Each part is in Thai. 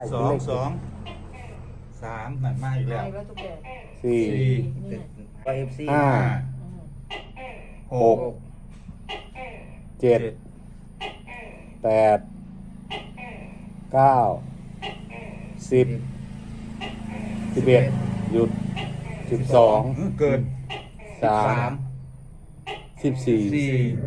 2 2 3หนักมากอีกแล้วสี่ FC ห้าหกเจ็ดแปดเก้า10 11หยุด12 เกิน 3 14 4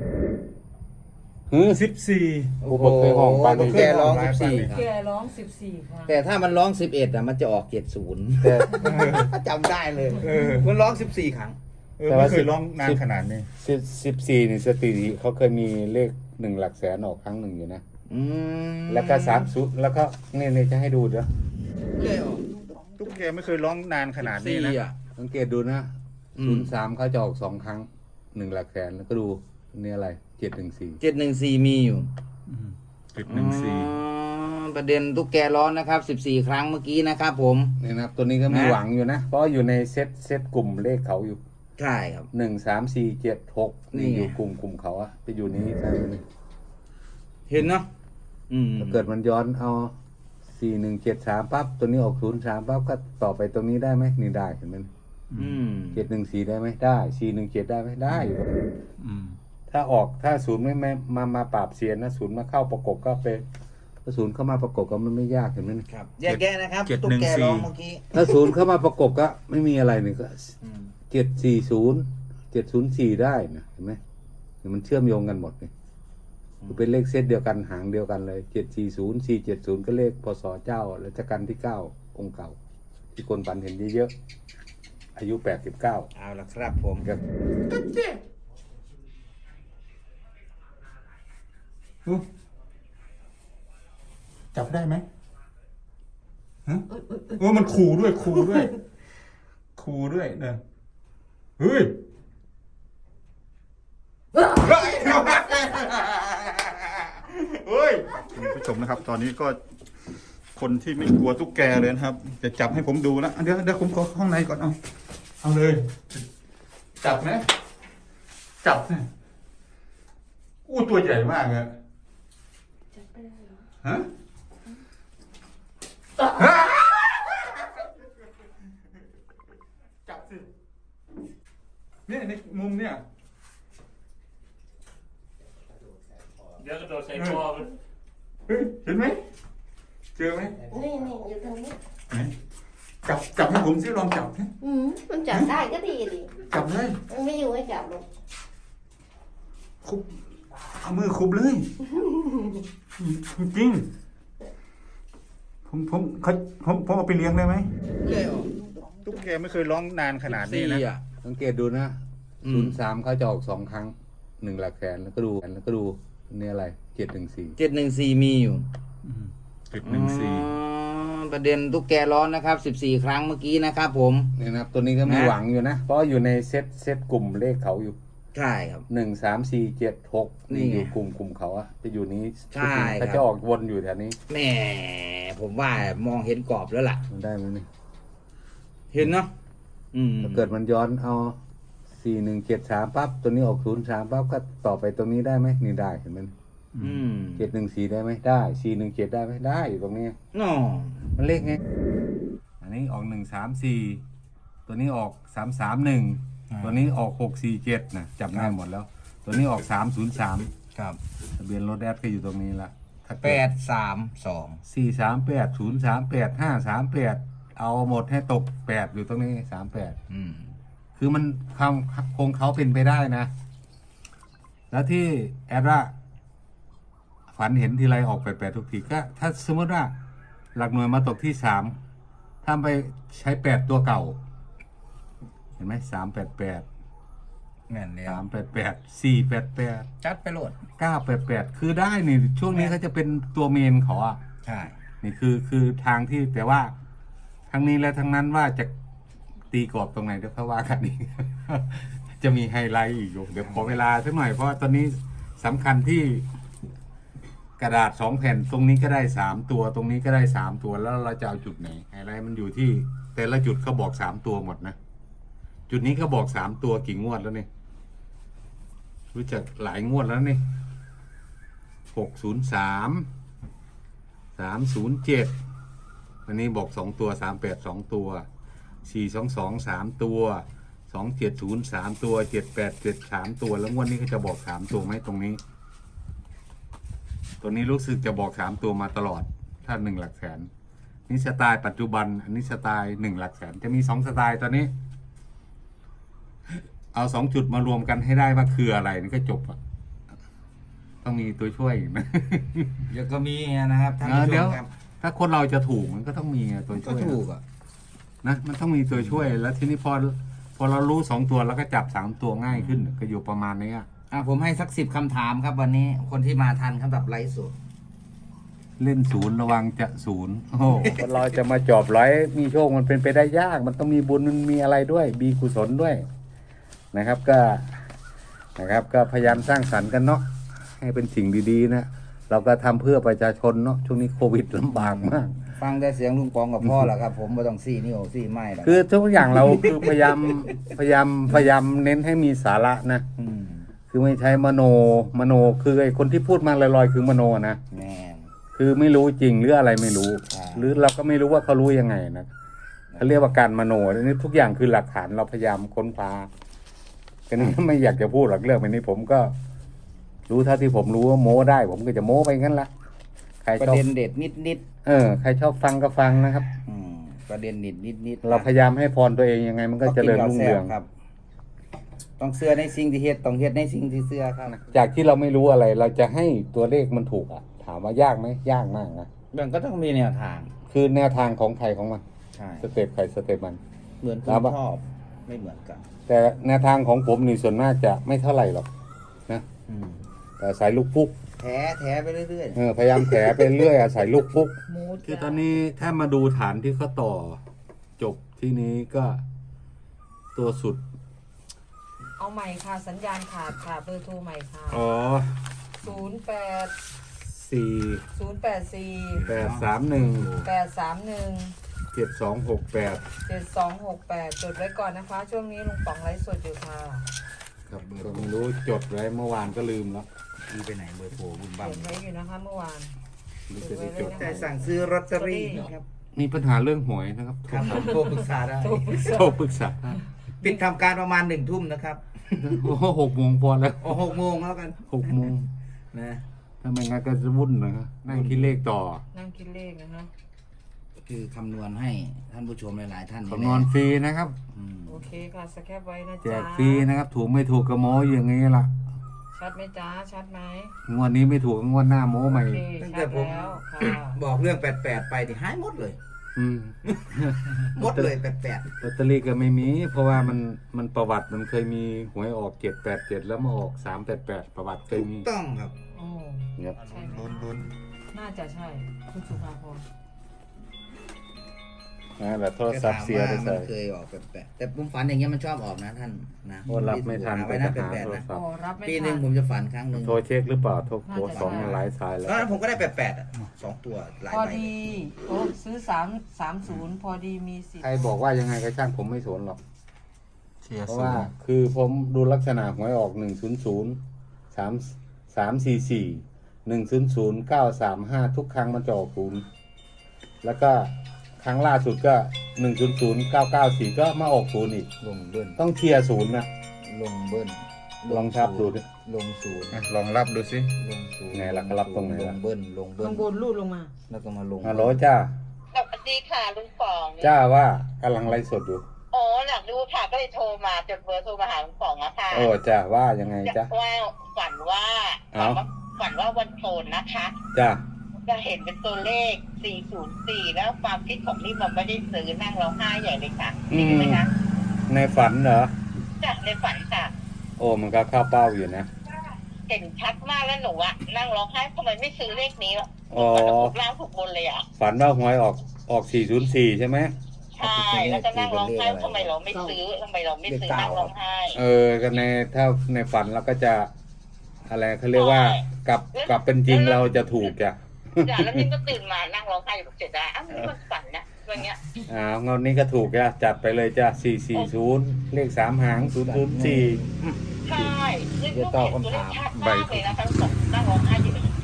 14 ผู้ปกครองปานตุ๊นี้กแกร้อง 14 แกร้อง14 ครั้งแต่ถ้ามันร้อง11อ่ะมันจะออก70 แต่จำได้เลยเออมันร้อง14 ครั้งไม่เคยร้องนานขนาดนี้ 14นี่สถิติเขาเคยมีเลข1 หลักแสนออกครั้งหนึ่งอยู่นะ แล้วก็30แล้วก็นี่จะให้ดูเด้อเคยออกตุ๊กแกไม่เคยร้องนานขนาดนี้นะ 14อ่ะสังเกตดูนะ03เขาจะออก2 ครั้ง1 หลักแสนแล้วก็ดูนี่อะไร714 714มีอยู่ 714 ประเด็นตุ๊กแกร้องนะครับ14 ครั้งเมื่อกี้นะครับผมนี่นะครับตัวนี้ก็มีหวังอยู่นะ เพราะอยู่ในเซตกลุ่มเลขเขาอยู่ใช่ครับ 1 3 4 7 6นี่อยู่กลุ่มเขาอะไปอยู่นี้ใช่ไหมเห็นเนาะถ้าเกิดมันย้อนเอา4 1 7 3ปั๊บตัวนี้ออก03ปั๊บก็ต่อไปตรงนี้ได้ไหมนี่ได้เห็นไหม714ได้ไหมได้417ได้ไหมได้อยู่ถ้าศูนย์ไม่มาปราบเสียนนะศูนย์มาเข้าประกบก็เป็นถ้าศูนย์เข้ามาประกบก็มันไม่ยากเห็นไหมครับแยกแยะนะครับตุ๊กแกร้องเมื่อกี้ถ้าศูนย์เข้ามาประกบก็ไม่มีอะไรนี่ก็740 704ได้นะเห็นไหมมันเชื่อมโยงกันหมดนี่คือเป็นเลขเซตเดียวกันหางเดียวกันเลย740 470ก็เลขพศเจ้ารัชกาลที่9องค์เก่าที่คนฝันเห็นเยอะๆอายุ89 เอาละครับผมครับจับได้ไหมฮะมันขู่ด้วยเนี่ยเฮ้ยคุณผู้ชมนะครับ ตอนนี้ก็คนที่ไม่กลัวตุ๊กแกเลยนะครับ จะจับให้ผมดูนะเดี๋ยวผมขอข้างในก่อนเอาเลย จับไหมจับเนี่ยอู้ตัวใหญ่มากเลยฮะจับสิเนี่ยในมุมเนี่ยเดี๋ยวกระโดดใส่คอมันเฮ้ยเห็นไหมเจอไหมนี่อยู่ตรงนี้ไหนจับให้ผมสิลองจับสิมันจับได้ก็ดีดิจับเลยมันไม่อยู่ให้จับหรอกคุบเอามือคุบเลยจริงผมเอาไปเลี้ยงได้ไหมเคยออกตุ๊กแกไม่เคยร้องนานขนาดนี้นะสังเกตดูนะ03เขาจะออก2 ครั้ง1 หลักแสนแล้วก็ดูนี่อะไร714 714มีอยู่ 714 ประเด็นตุ๊กแกร้องนะครับ14 ครั้งเมื่อกี้นะครับผมนี่นะครับตัวนี้ก็มีหวังอยู่นะ เพราะอยู่ในเซตกลุ่มเลขเขาอยู่ใช่ครับ 1 3 4 7 6นี่อยู่กลุ่มเขาอะจะอยู่นี้ใช่ครับเขาจะออกวนอยู่แถวนี้แหมผมว่ามองเห็นกรอบแล้วล่ะมันได้ไหมนี่เห็นเนาะถ้าเกิดมันย้อนเอา4 1 7 3ปั๊บตัวนี้ออก03ปั๊บก็ต่อไปตรงนี้ได้ไหมนี่ได้เห็นไหม714ได้ไหมได้417ได้ไหมได้อยู่ตรงนี้น้อมันเลขไงอันนี้ออก134ตัวนี้ออก331ตัวนี้ออก647นะจับได้หมดแล้ว ตัวนี้ออก303 ครับทะเบียนรถแอดก็อยู่ตรงนี้ละ 832 438 038 538เอาหมดให้ตก8อยู่ตรงนี้38คือมันคงเขาเป็นไปได้นะ แล้วที่แอดว่าฝันเห็นทีไรออก8ทุกทีก็ถ้าสมมติว่าหลักหน่วยมาตกที่3ถ้าไปใช้8ตัวเก่าเห็นไหม388 แม่นแล้ว 488 จัดไปโหลด 988คือได้นี่ช่วงนี้เขาจะเป็นตัวเมนเขาอ่ะใช่นี่คือทางที่แต่ว่าทั้งนี้และทั้งนั้นว่าจะตีกรอบตรงไหนเดี๋ยวเขาว่ากันอีก จะมีไฮไลท์อีกอยู่เดี๋ยวขอเวลาสักหน่อยเพราะว่าตอนนี้สำคัญที่กระดาษ2 แผ่นตรงนี้ก็ได้3ตัวตรงนี้ก็ได้3ตัวแล้วเราจะเอาจุดไหนไฮไลท์มันอยู่ที่แต่ละจุดเขาบอก3ตัวหมดนะจุดนี้เขาบอก3ตัวกี่งวดแล้วนี่รู้จักหลายงวดแล้วนี่603 307 วันนี้บอก2ตัว38 2ตัว422 3ตัว270 3ตัว787 3ตัวแล้วงวดนี้เขาจะบอก3ตัวไหมตรงนี้ ตัวนี้รู้สึกจะบอก3ตัวมาตลอดถ้า1 หลักแสนนี่สไตล์ปัจจุบันอันนี้สไตล์1 หลักแสนจะมี2 สไตล์ตอนนี้ เอา2 จุดมารวมกันให้ได้ว่าคืออะไรนี่ก็จบอ่ะต้องมีตัวช่วยอีกนะเดี๋ยวก็มีนะครับท่านผู้ชเดี๋ยวมครับถ้าคนเราจะถูกมันก็ต้องมีตัวก็ช่วยถูกอ่ะนะมันต้องมีตัวช่วย แล้วทีนี้พอเรารู้2 ตัวแล้วก็จับ3 ตัวง่ายขึ้น ก็อยู่ประมาณนี้อะผมให้สัก10 คำถามครับวันนี้คนที่มาทันครับแบบไลฟ์สดเล่นศูนย์ระวังจะศูนย์โอ้โหคนเราจะมาจอบร้อยมีโชคมันเป็นไปได้ยาก มันต้องมีบุญมันมีอะไรด้วยมีกุศลด้วยนะครับก็พยายามสร้างสรรค์กันเนาะให้เป็นสิ่งดีๆนะเราก็ทำเพื่อประชาชนเนาะช่วงนี้โควิดลำบากมากฟังแต่เสียงลุงปองกับพ่อแหละครับ ผมไม่ต้องซี่นิ้วซี่ไม้หรอกคือทุกอย่างเรา คือพยายามเน้นให้มีสาระนะมคือไม่ใช้มโนคือไอ้คนที่พูดมาลอยๆคือมโนนะแม่นคือไม่รู้จริงหรืออะไรไม่รู้ใช่หรือเราก็ไม่รู้ว่าเขารู้ยังไงนะเขาเรียกว่าการมโนนี่ทุกอย่างคือหลักฐานเราพยายามค้นคว้ากันนี้ไม่อยากจะพูดหรอกเรื่องแบบนี้ผมก็ รู้เท่าที่ผมรู้ว่าโม้ได้ ผมก็จะโม้ไปงั้นละใครประชอบเด็นเด็ดนิดใครชอบฟังก็ฟังนะครับประเด็นเด็ดนิดเราพยายามให้พรตัวเองยังไง มันก็เจริญรุ่งเรืองครับ ต้องเสื้อในสิ่งที่เฮ็ดต้องเฮ็ดในสิ่งที่เสื้อครับจากที่เราไม่รู้อะไร เราจะให้ตัวเลขมันถูกอ่ะ ถามว่ายากไหมยากมากนะมันก็ต้องมีแนวทางคือแนวทางของใครของมันใช่สเต็ปใครสเต็ปมันเหมือนคุครัณบชอบไม่เหมือนกันแต่แนวทางของผมนี่ส่วนมากจะไม่เท่าไหร่หรอกนะอืมแต่สายลูกพุกแถไปเรื่อยพยายามแถไปเรื่อยอาศัยลูกพุกหมูคือตอนนี้ถ้ามาดูฐานที่เขาต่อจบที่นี้ก็ตัวสุดเอาใหม่ค่ะ สัญญาณขาดค่ะเบอร์โทรใหม่ค่ะอ๋อ 08 4 084 831 831 7268 7268 จดไว้ก่อนนะคะ ช่วงนี้ลุงป๋องไลฟ์สดอยู่ค่ะครับก็ไม่รู้จดไว้เมื่อวานก็ลืมแล้วๆมีไปไหนเบอร์โทรบุญบังเขียนไว้อยู่นะคะเมื่อวานนี่จะได้จดแต่สั่งซื้อลอตเตอรี่ครับมีปัญหาเรื่องหวยนะครับครับผมโทรปรึกษาได้โทรปรึกษาปิดทำการประมาณ1 ทุ่มนะครับโอ้โห6 โมงพอแล้ว 6 โมงแล้วกัน 6 โมงนะถ้าไม่งั้นก็จะวุ่นนะครับนั่งคิดเลขต่อนั่งคิดเลขนะคะคือคำนวณให้ท่านผู้ชมหลายๆท่านคำนวณฟรีนะครับอืมโอเคค่ะ สแคปไว้นะแจจ๊ะกฟรีนะครับ ถูกไม่ถูกก็โม้อย่างนี้ล่ะชัดไหมจ๊ะ ชัดไหมงวดนี้ไม่ถูกก็งวดหน้าโม้ใหม่โอเคชัดแล้วค่ะบอกเรื่อง88ไปที่หายหมดเลยอืมหมดเลย88 ลอตเตอรี่ก็ไม่มี เพราะว่ามันประวัติมันเคยมีหวยออก787แล้วมาออก388ประวัติเคยถูกมีต้องครับโอ้ครับใช่ไหมน่าจะใช่คุณสุภาพรแต่โทรศัพท์เสียก็ได้ถามใส่ว่ามันเคยออก88แต่ผมฝันอย่างเงี้ยมันชอบออกนะท่านนะโอ้รับไม่ทันไว้ไปนะหา 88 โทรนะศัพโอ้ท์รับไม่ปีหทันึ่งนผมจะฝันครั้งหนึ่งโทรเช็คหรือเปล่าโทรน่าจะสองหลายสายแล้วตอนนั้นผมก็ได้88อ่ะ2 ตัวหลายพอใบดีโอ้ซื้อ330พอดีมีสิทใครธิ์บอกว่ายังไงก็ช่างผมไม่สนหรอก เพราะว่าคือผมดูลักษณะหวยออก100 3344 100 935ทุกครั้งมันจะออกศูนย์แล้วก็ครั้งล่าสุดก็100994ก็มาออกศูนย์อีกลงเบิ้ลต้องเชียร์ศูนย์นะลงเบิ้ลลองทับดูดิลงศูนย์ลองรับดูสิลงศูนย์ไงล่ะก็รับตรงไหนลล่ะงเบิ้ลลงเบิ้ลข้างบนรูดลงมาแล้วก็มาลงฮัลโหลจ้าสวัสดีค่ะลุงป๋องจ้าว่ากำลังไลฟ์สดอยู่โอ้อยากดูค่ะก็เลยโทรมาจดเบอร์โทรมาหาลุงป๋องอะค่ะโอ้จ้าว่ายังไงจ้าว่าฝันว่าเอ้าฝันว่าวันโกนนะคะจ้าจะเห็นเป็นตัวเลข 404 แล้วความคิดของนี่มันไม่ได้ซื้อนั่งร้องไห้ใหญ่เลยค่ะจริงไหมคะในฝันเหรอจากในฝันค่ะโอ้มันก็เข้าเป้าอยู่นะเห็นชัดมากแล้วหนูอะนั่งร้องไห้ทำไมไม่ซื้อเลขนี้วะอ๋อมันถูกล่างถูกบนเลยอะฝันว่าหวยออก404ใช่ไหมใช่แล้วก็นั่งร้องไห้ทำไมเราไม่ซื้อทำไมเราไม่ซื้อนั่งร้องไห้ก็ในถ้าในฝันเราก็จะ อะไรเขาเรียกว่ากลับเป็นจริงเราจะถูกจ้ะจ้ะแล้วนี่ก็ตื่นมานั่งร้องไห้อยู่เสียดายอ้าวนี่มันฝันนะอะไรเงี้ยเงานี้ก็ถูกจ้ะจัดไปเลยจ้ะ440เลข3หาง004 ใช่คือลูกเห็นตัวเลขชัดมากเลยนะทั้งสองนั่งร้องไห้อยู่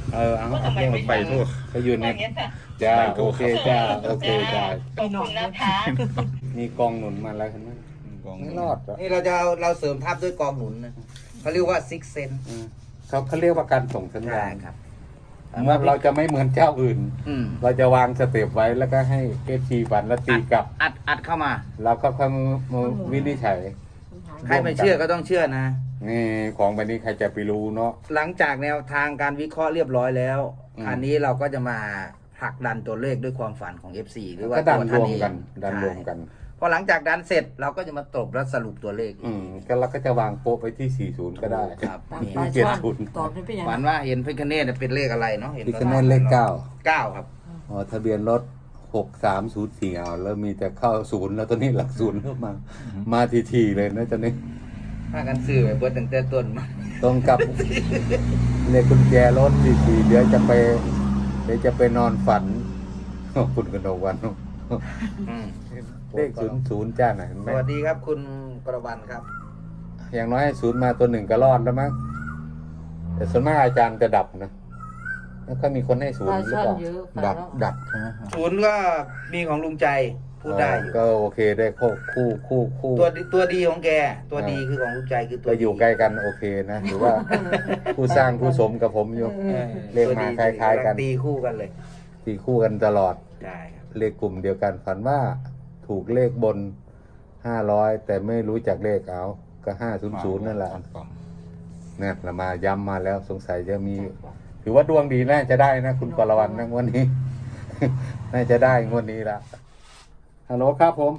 เอาว่าทำไมไม่ไปทั่วก็อยู่ในอย่างเงี้ยค่ะจ้าโอเคจ้าโอเคจ้าขอบคุณนะคะมีกองหนุนมาแล้วเห็นไหมไม่รอดหรอกนี่เราเสริมทัพด้วยกองหนุนนะเขาเรียกว่าซิกเซนเขาเรียกว่าการส่งสัญญาณครับว่าเราจะไม่เหมือนเจ้าอื่น เราจะวางสเต็ปไว้แล้วก็ให้เอฟซีฝันแล้วตีกลับอัดเข้ามาแล้วก็ค่อยมาวินิจฉัยใครไม่เชื่อก็ต้องเชื่อนะนี่ของแบบนี้ใครจะไปรู้เนาะหลังจากแนวทางการวิเคราะห์เรียบร้อยแล้วอืมอันนี้เราก็จะมาผลักดันตัวเลขด้วยความฝันของ FC หรือว่าก็ดันตัวรท่านวมเองกันดันรวมกันใช่พอหลังจากดันเสร็จเราก็จะมาตบและสรุปตัวเลขก็เราก็จะวางโป๊ะไปที่ 40 ก็ได้ครับตามนี่ปลายเจ็ดช่อนศูนย์ตอบได้เป็นยังฝันว่าเห็นพิคเนตเป็นเลขอะไรเนาะเห็นพิคเนตเลข 9ครับอ๋อทะเบียนรถ 6304เอาแล้วมีแต่เข้าศูนย์แล้วตอนนี้หลักศูนย์เข้ามาทีๆเลยนะตอนนี้ถ้ากันซื้อไปเบิดตั้งแต่ต้นมาตรงกับ เลขกุญแจรถทีๆเดี๋ยวจะไปนอนฝัน คุณกนกวันอืมเลข00จ้าหน่อยเห็นไหสมวัสดีครับคุณกระวันครับอย่างน้อยให้ศูนย์มาตัวหนึ่งก็รอดแล้วมั้งแต่ส่วนมากอาจารย์จะดับนะแล้วก็มีคนให้ศูนปย์ลายหรือช่อนเปล่าเยอะดับใช่ไหมศูนย์ก็มีของลุงใจพูดได้อยู่ก็โอเคได้คู่ตัวดีของแก ตัวดีคือของลุงใจคือตัวก็ดีอยู่ใกล้กันโอเคนะหรือว่า ผู้สร้างผู้สมกับผมอยู่เออเลขมาตัวดีคล้ายๆกันตีคู่กันเลยตีคู่กันตลอดได้ครับเลขกลุ่มเดียวกันฝันว่าถูกเลขบน500แต่ไม่รู้จักเลขเอาก็500นั่นแหละเนี่ยเรามาย้ำมาแล้วสงสัยจะมี ถือว่าดวงดีน่าจะได้นะคุณกรวันนะงวันนี้ น่าจะได้งวดนี้ละฮัลโหลครับผม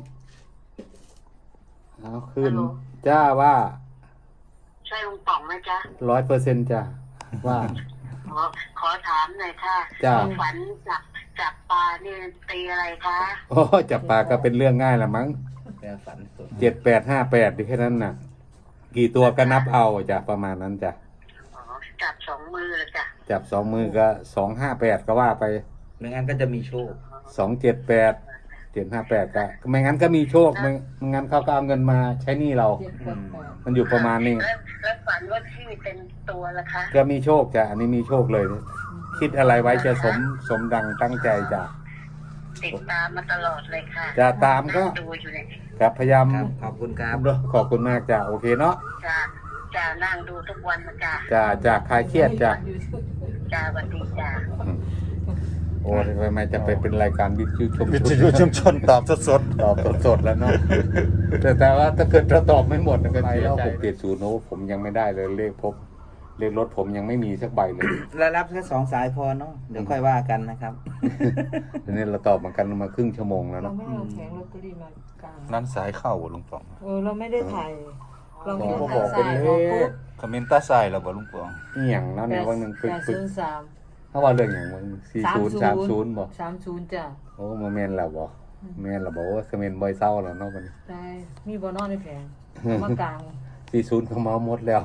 เอาขึ้นจ้าว่าใช่ลุงป๋องไหมจ๊ะ 100%จ้าว่าขอถามหน่อยค่ะจ้าฝันจับปลานี่ตีอะไรคะโอ้จับปลาก็เป็นเรื่องง่ายละมั้งแกฝันสุด 7858ดิแค่นั้นน่ะ กี่ตัวก็นับเอาจ้ะประมาณนั้นจ้ะอ๋อจับสองมือเลยจ้ะจับ2 มือก็258ก็ว่าไปไม่งั้นก็จะมีโชค 278 758ก็ไม่งั้นก็มีโชคไม่งั้นเขาก็เอาเงินมาใช้หนี้เรา มันอยู่ประมาณนี้แล้วฝันว่าที่เป็นตัวละคะก็มีโชคจ้ะอันนี้มีโชคเลย คิดอะไรไว้จะสมดังตั้งใจจ้ะติดตามมาตลอดเลยค่ะจะตามก็ดูอยู่เนี่ยครับพยายามครับขอบคุณครับขอบคุณมากจ้ะโอเคเนาะจะนั่งดูทุกวันนะจ้ะจะคลายเครียดจ้ะจ้าสวัสดีจ้าโอ้ทำไมจะไปเป็นรายการวิทยุชมวิทยุชุมชนตอบสดตอบสดๆแล้วเนาะ แต่ว่าถ้าเกิดเราตอบไม่หมดก็ไปแล้ว670โน้ผมยังไม่ได้เลยเลขรถผมยังไม่มีสักใบเลยแล้วรับแค่2 สายพอเนาะเดี๋ยวค่อยว่ากันนะครับทีนี้เราตอบมากันมาครึ่งชั่วโมงแล้วเราเนาะไม่เอาแผงลอตเตอรี่มากลางๆนั้นสายเข้าบ่ลุงป๋องเราไม่ได้ถ่าย เราไม่ได้ผมถ่ายบอกเป็นสายเลออกปุ๊ขบคอมเมนต์ตาสายแล้วบ่ลุงป๋องนี่อย่างนั้นเนี่ยวันหนึ่งปึก 803 ถ้าว่าเรื่องอย่างวัน4030บอก 30จ้ะโอ้มาแมนแล้วบอกแมนแล้วบอกว่าคอมเมนต์บ่อยเศร้าแล้วเนาะวันนี้ได้มีบอนอนในแผงเอามากลาง 40เขาเมาหมดแล้ว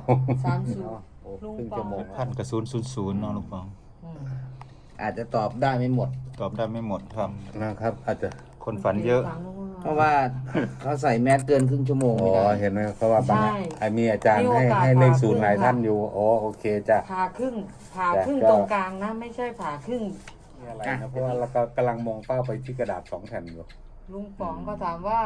30 โอ้ครึ่งชั่วโมงพันกับ000เนาะลุงป๋องอืมอาจจะตอบได้ไม่หมดตอบได้ไม่หมดครับนะครับ อาจจะคนฝันเยอะเพราะว่าเขาใส่แมสเกินครึ่งชั่วโมงอ๋ไม่อได้เห็นไหมเขาว่าบางไอ้มีอาจารย์ให้เลขศูนย์หลายท่านอยู่อ๋อโอเคจ้ะผ่าครึ่งจ้ะตรงกลางนะ ไม่ใช่ผ่าครึ่งมีอะไรนะเพราะว่าเราก็กำลังมองเป้าไปที่กระดาษ2 แผ่นอยู่ลุงป๋องก็ถามว่า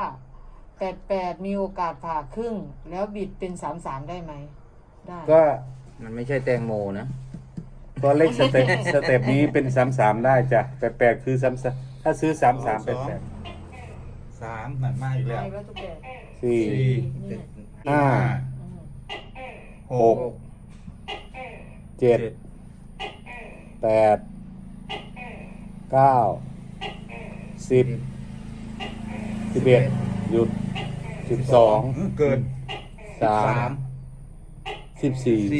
88 มีโอกาสผ่าครึ่ง แล้วบิดเป็น 33 ได้ไหม ได้ก็มันไม่ใช่แตงโมนะก็เลขสเต็ปนี้เป็น33ได้จ้ะ88คือ33ถ้าซื้อ33เป็น8 3นั่นมาอีกแล้วได้แล้วทุกแบบ 4 นี่ 5 6 6 7 8 9 10 11หยุด12 เกิน 3 14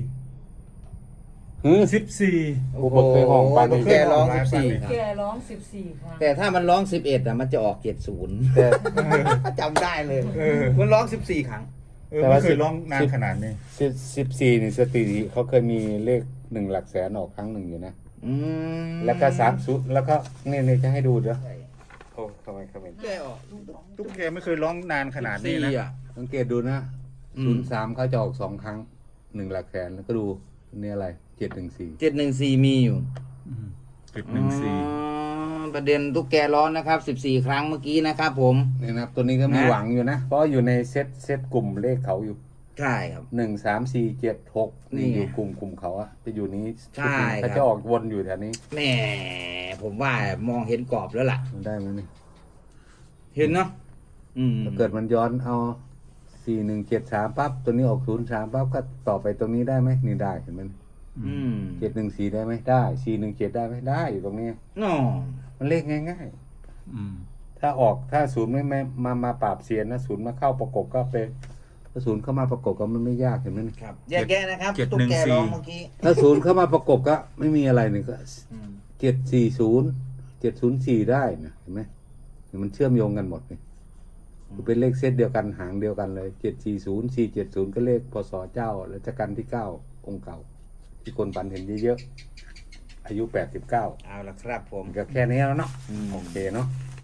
14 โอ้โหเคยห้องปานโอ้นี้โหแกร้อง 14 แกร้อง 14 ครั้งแต่ถ้ามันร้อง 11อ่ะมันจะออก 70 แต่จำได้เลยเออมันร้อง 14 ครั้งแต่ว่าเคยร้องนานขนาดนี้ 14นี่สถิติเขาเคยมีเลข1 หลักแสนออกครั้งหนึ่งอยู่นะอืมแล้วก็30แล้วก็นี่จะให้ดูเด้อโอ้ทำไมเขาเป็นแกออกตุ๊กแกไม่เคยร้องนานขนาดนี้นะ 14อ่ะสังเกตดูนะอืม 03เขาจะออก2 ครั้ง1 หลักแสนแล้วก็ดูนี่อะไร 714 714มีอยู่ 714 อ๋อประเด็นตุ๊กแกร้อนนะครับ14 ครั้งเมื่อกี้นะครับผมนี่นะครับตัวนี้ก็มีนะหวังอยู่นะ เพราะอยู่ในเซตกลุ่มเลขเขาอยู่ใช่ครับ 1 3 4 7 6 นี่นี่ไงอยู่กลุ่มเขาอะจะอยู่นี้ใช่ชุดนี้ครับเขาจะออกวนอยู่แถวนี้แหมผมว่ามองเห็นกรอบแล้วล่ะมันได้ไหมนี่เห็นเนาะอืมถ้าเกิดมันย้อนเอา 4173ปั๊บตัวนี้ออก03ปั๊บก็ต่อไปตรงนี้ได้ไหมนี่ได้เห็นไหมอืม 714ได้ไหมได้417ได้ไหมได้อยู่ตรงนี้น้อมันเลขง่ายอืมๆ ถ้าออกถ้าศูนย์ไม่มาปราบเสียนนะศูนย์มาเข้าประกบก็เป็นถ้าศูนย์เข้ามาประกบก็มันไม่ยากเห็นไหมนี่ครับแยกแยะนะครับ 714 ตุ๊กแกร้องเมื่อกี้ถ้าศูนย์เข้ามาประกบก็ไม่มีอะไรนี่ก็อืม 740 ได้นะเห็นไหมมันเชื่อมโยงกันหมดนี่คือเป็นเลขเซตเดียวกันหางเดียวกันเลย740 470ก็เลขพศเจ้ารัชกาลที่9องค์เก่า ที่คนฝันเห็นเยอะๆอายุ89 เอาละครับผมก็แค่นี้แล้วเนาะอืมโอเคเนาะ